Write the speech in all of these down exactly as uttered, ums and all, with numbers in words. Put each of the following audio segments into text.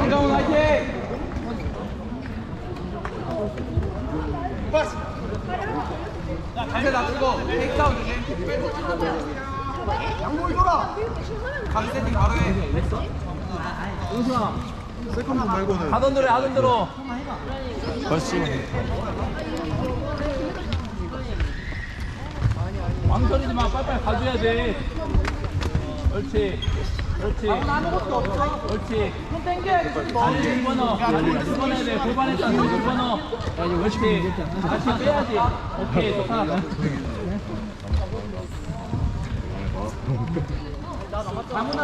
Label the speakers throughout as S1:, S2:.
S1: 강정훈 화이팅! 자, 자세 낮추고 테이크다운 주심. 양보이 돌아. 각 세팅 바로 해. 용수아.
S2: 세컨드 말고는
S1: 하던 대로 해, 하던 대로.
S3: 그렇지.
S1: 망설이지 마. 빨리빨리 가줘야 돼. 그렇지. 그렇지. 아무것도 없어. 그렇지. 손 당겨야 돼. 다리 집어넣어. 다리 집어넣어야 돼. 골반에다 손 집어넣어. 그렇지. 다시 빼야지. 오케이. 좋다. 장훈아.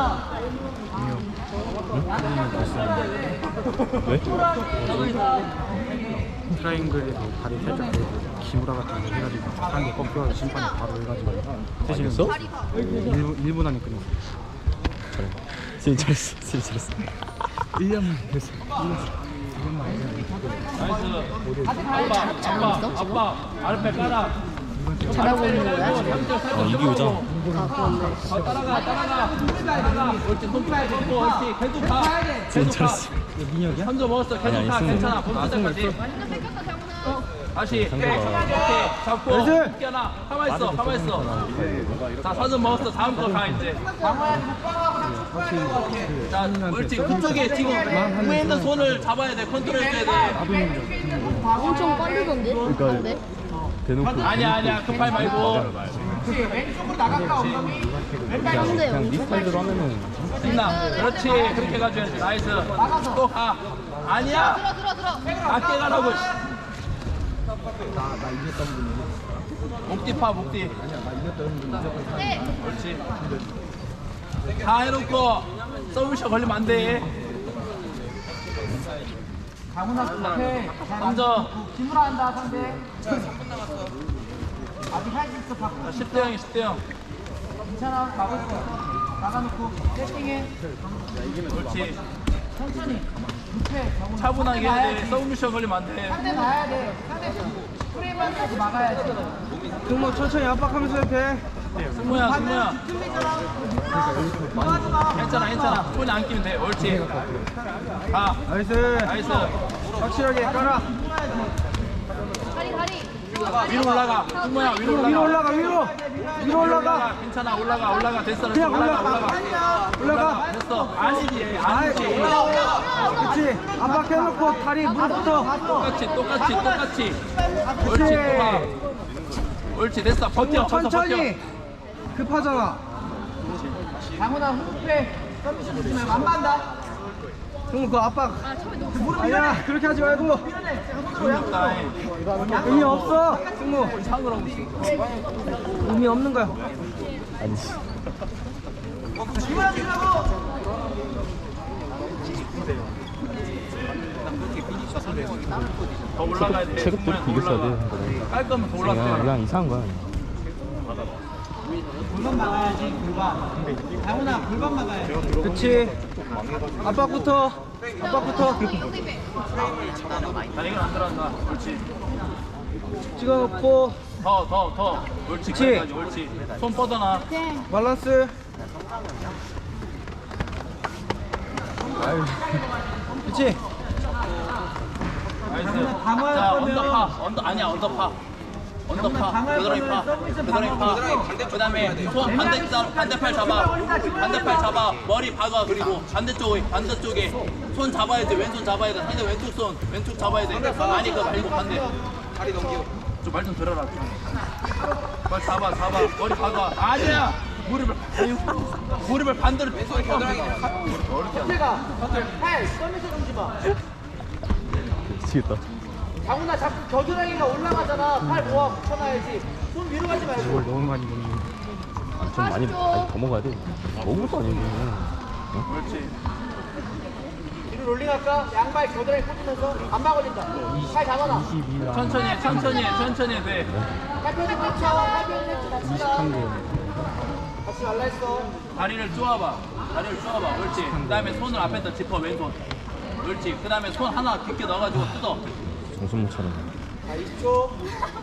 S3: 왜?
S2: 트라이앵글에서 다리 살짝 기무라 같은 거 해가지고 한개 꺾여서 심판이 바로 해가지고
S3: 대신했어?
S2: 일 분, 일 분 안에 끝냈어.
S3: 잘해. 스윙 잘했어. 스윙 잘했어.
S2: 일 년만 했어.
S1: 나이스. 아빠, 아빠, 아빠, 아랫배 깔아.
S4: 잘하고 있는 거야?
S3: 어, 이기우자.
S1: 어, 따라가, 따라가. 따라가. 옳지, 손 빼야 돼. 옳지, 계속 가.
S3: 스윙
S1: 계속 가.
S3: 잘했어.
S2: 민혁이야?
S1: 선조 먹었어. 계속
S3: 아니,
S1: 가.
S3: 아니,
S1: 괜찮아.
S3: 승부.
S1: 본 끝까지. 다시.
S3: 상대가-
S1: 오케이. 잡고. 뛰어나. 가만 있어. 가만 있어. 자, 선수 먹었어. 다음 거 가 이제. 자, 옳지. 그쪽에 지금 위에 있는 손을 잡아야 돼. 컨트롤 해줘야 돼.
S4: 엄청 빠르던데? 근데?
S3: 대놓고.
S1: 아니야, 아니야. 급하지 말고.
S3: 그냥, 그냥 네 스타일대로 하면은.
S1: 있나? 그렇지. 그렇게 가줘야지. 나이스. 또 가. 아니야.
S4: 들어 들어 들어.
S1: 낮게 가라고. 목뒤 파, 목뒤. 그렇지. 다 해놓고 서브샷 걸리면 안 돼. 강훈아, 먼저. 김우라 한다, 상대. 아직 할 수 있어, 박. 십 대 영이 십 대 영. 괜찮아, 가고 있어. 나가놓고, 세팅해. 그렇지. 천천히. 차분하게 해야 돼. 서브미션 걸리면 안 돼. 상대 나야 돼. 상대 프레임만 하고 막아야지.
S2: 승모 천천히 압박하면서 해.
S1: 승모야, 승모야. 괜찮아, 괜찮아. 손이 안 끼면 돼. 옳지. 가.
S2: 나이스.
S1: 나이스.
S2: 확실하게 깔아.
S4: 다리 다리.
S1: 위로 올라가. 승모야, 위로 올라가.
S2: 위로 올라가 위로. 위로 올라가.
S1: 괜찮아, 올라가, 올라가. 됐어, 됐어.
S2: 그냥
S1: 올라가,
S2: 올라가.
S1: 올라가.
S2: 올라가.
S1: 됐어. 아니지, 아니지.
S2: 그렇지. 압박해놓고 다리 무릎부터.
S1: 똑같이, 똑같이, 똑같이. 옳지, 또 가. 옳지, 됐어. 버텨, 버텨,
S2: 천천히.
S1: 버텨.
S2: 급하잖아.
S1: 강훈아, 후패. 서비스 주시면 안 만다.
S2: 승모 그 압박. 아니야 그렇게 하지 말고.
S1: 의미 없다.
S2: 의미 없어. 승모.
S1: 상을 하고 있어.
S2: 의미 없는 거야.
S3: 아니지.
S1: 더 올라가야 돼.
S3: 체급도
S1: 더
S3: 비겼어야
S1: 올라가.
S3: 돼.
S1: 깔 거면 더
S3: 그냥,
S1: 올라가.
S3: 그냥 이상한 거야.
S1: 골반 막아야지, 골반. 강훈아, 골반 막아야 돼.
S2: 그렇지. 압박부터. 압박부터.
S1: 나 이건 안 들어간다. 옳지.
S2: 찍어놓고
S1: 더, 더, 더. 옳지,
S2: 그치.
S1: 거기까지. 옳지. 손 뻗어놔.
S2: 밸런스. 아유. 그렇지.
S1: 나이스. 자, 언더파. 언더, 아니야, 언더파. 언더파. 그드라이 파. 그드라이 파. 그 다음에 손 반대, 반대팔 잡아. 반대팔 잡아. 머리 박아. 그리고 반대쪽에, 반대쪽에. 손 잡아야 돼. 왼손 잡아야 돼. 상대 왼쪽 손. 왼쪽 잡아야 돼. 아니, 그거 말고 반대. 다리 넘기고. 좀 말 좀 들어라. 말 잡아, 잡아. 머리 박아. 아니야! 무릎을, 아유. 무릎을 반대로 빼서 겨드랑이. 어렵게 가. 팔, 서미서 좀 봐.
S3: 미치겠다.
S1: 장훈아, 자꾸 겨드랑이가 올라가잖아. 팔 모아 붙여놔야지. 손 위로 가지 말고.
S2: 이걸 너무 많이 먹는.
S3: 아, 좀 많이, 아니, 더 먹어야 돼. 먹을 것도 아니고.
S1: 그렇지. 뒤로 롤링할까? 양발 겨드랑이 꽂으면서 안 막아진다. 팔 잡아놔. 천천히 해, 천천히 해, 천천히 해. 돼. 팔편에 꽂혀. 팔편에 꽂혀.
S2: 이십삼 개.
S1: 같이 말라 했어. 다리를 쪼아봐. 다리를 쪼아봐. 옳지. 그 다음에 손을 앞에다 짚어, 왼손. 옳지. 그 다음에 손 하나 깊게 넣어가지고 뜯어.
S3: 정신 못 차려.
S1: 자, 이십 초.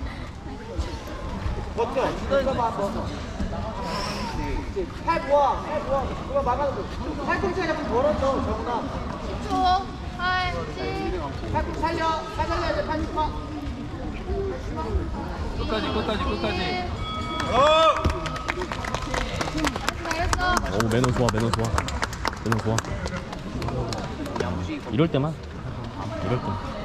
S1: 버텨. 뜯어봐, 버텨. 팔 모아, 팔 모아. 그거 막아놓고. 팔꿈치가 자꾸 벌어져, 정훈아.
S4: 십 초.
S1: 끝까지 끝까지 끝까지.
S3: 오 매너 좋아 매너 좋아 매너 좋아 이럴 때만 이럴 때